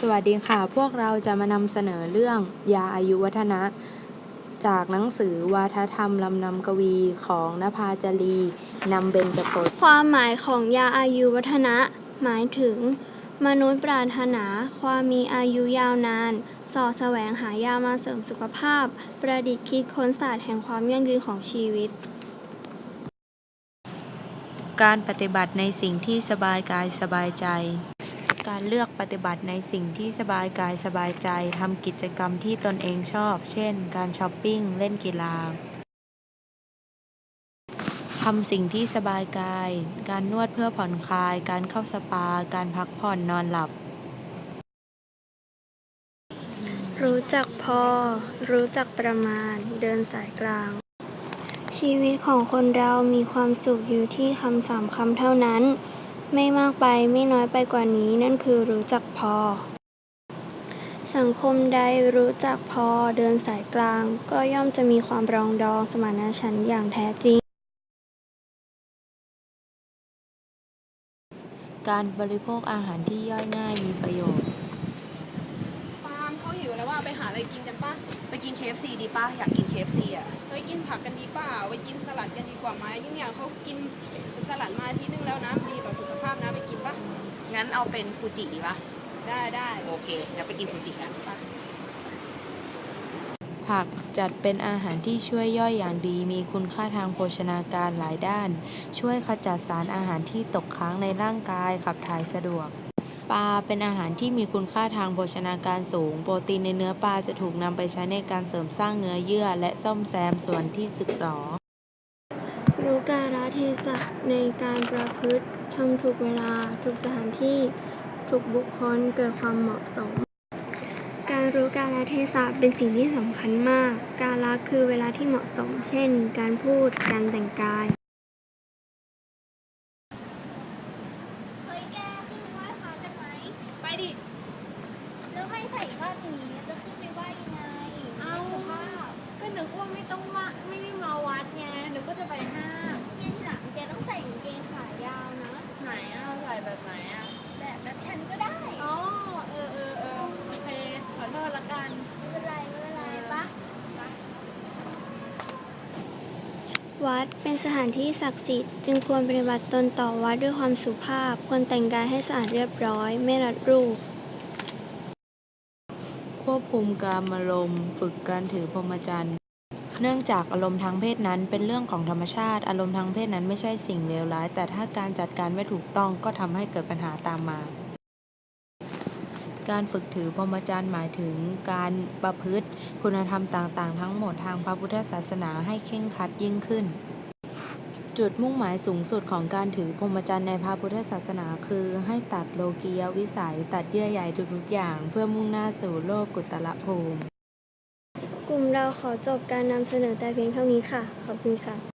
วัสดีค่ะ พวกเราจะมานำเสนอเรื่องยาอายุวัฒนะจากหนังสือวาทธรรมลำนำกวีของนภาจารีนำเบญจพจน์ความหมายของยาอายุวัฒนะหมายถึงมนุษย์ปรารถนาความมีอายุยาวนานสอดแสวงหายามาเสริมสุขภาพประดิษฐ์คิดค้นศาสตร์แห่งความยั่งยืนของชีวิตการปฏิบัติในสิ่งที่สบายกายสบายใจการเลือกปฏิบัติในสิ่งที่สบายกายสบายใจทำกิจกรรมที่ตนเองชอบเช่นการช้อปปิ้งเล่นกีฬาทำสิ่งที่สบายกายการนวดเพื่อผ่อนคลายการเข้าสปาการพักผ่อนนอนหลับรู้จักพอรู้จักประมาณเดินสายกลางชีวิตของคนเรามีความสุขอยู่ที่คำ3คำเท่านั้นไม่มากไปไม่น้อยไปกว่านี้นั่นคือรู้จักพอสังคมใดรู้จักพอเดินสายกลางก็ย่อมจะมีความปรองดองสมานฉันท์อย่างแท้จริงการบริโภคอาหารที่ย่อยง่ายมีประโยชน์ปาล์มเขาหิวแล้วว่าไปหาอะไรกินกันป่ะไปกิน KFC ดีป่ะอยากกิน KFC อ่ะเฮ้ยกินผักกันดีป่ะไปกินสลัดกันดีกว่าไหมยิ่งอย่างเขากินสลัดมาอาทีนึงแล้วนะดีต่อสุขภาพนะไปกินป่ะงั้นเอาเป็นฟูจิดีป่ะได้โอเคเดี๋ยวไปกินฟูจิกันป่ะผักจัดเป็นอาหารที่ช่วยย่อยอย่างดีมีคุณค่าทางโภชนาการหลายด้านช่วยขจัดสารอาหารที่ตกค้างในร่างกายขับถ่ายสะดวกปลาเป็นอาหารที่มีคุณค่าทางโภชนาการสูงโปรตีนในเนื้อปลาจะถูกนำไปใช้ในการเสริมสร้างเนื้อเยื่อและซ่อมแซมส่วนที่สึกหรอรู้กาลเทศะในการประพฤติทำถูกเวลาถูกสถานที่ถูกบุคคลเกิดความเหมาะสมการรู้กาลเทศะเป็นสิ่งที่สำคัญมากกาลคือเวลาที่เหมาะสมเช่นการพูดการแต่งกายเฮ้ยแกขึ้นไปไหว้พระกันไหมไปดิแล้วไม่ใส่ผ้าอย่างนี้จะขึ้นไปไหว้ยังไงสภาพก็นึกว่าไม่ได้มาวัดไงนึกว่าจะไปห้างเนี่ยทีหลังแกต้องใส่กางเกงขายาวนะไหนอ่ะใส่แบบไหนอ่ะแบบฉันก็ได้อ๋อโอเคขอโทษละกันไม่เป็นไรปะวัดเป็นสถานที่ศักดิ์สิทธิ์จึงควรปฏิบัติตนต่อวัดด้วยความสุภาพควรแต่งกายให้สะอาดเรียบร้อยไม่รัดรูปควบคุมกามารมณ์ฝึกการถือพรหมจรรย์เนื่องจากอารมณ์ทางเพศนั้นเป็นเรื่องของธรรมชาติอารมณ์ทางเพศนั้นไม่ใช่สิ่งเลวร้ายแต่ถ้าการจัดการไม่ถูกต้องก็ทำให้เกิดปัญหาตามมาการฝึกถือพรหมจรรย์หมายถึงการประพฤติคุณธรรมต่างๆทั้งหมดทางพระพุทธศาสนาให้เคร่งครัดยิ่งขึ้นจุดมุ่งหมายสูงสุดของการถือพรหมจรรย์ในพระพุทธศาสนาคือให้ตัดโลกียวิสัยตัดเยื่อใยทุกๆอย่างเพื่อมุ่งหน้าสู่โลกุตตรภูมิกลุ่มเราขอจบการนำเสนอแต่เพียงเท่านี้ค่ะขอบคุณค่ะ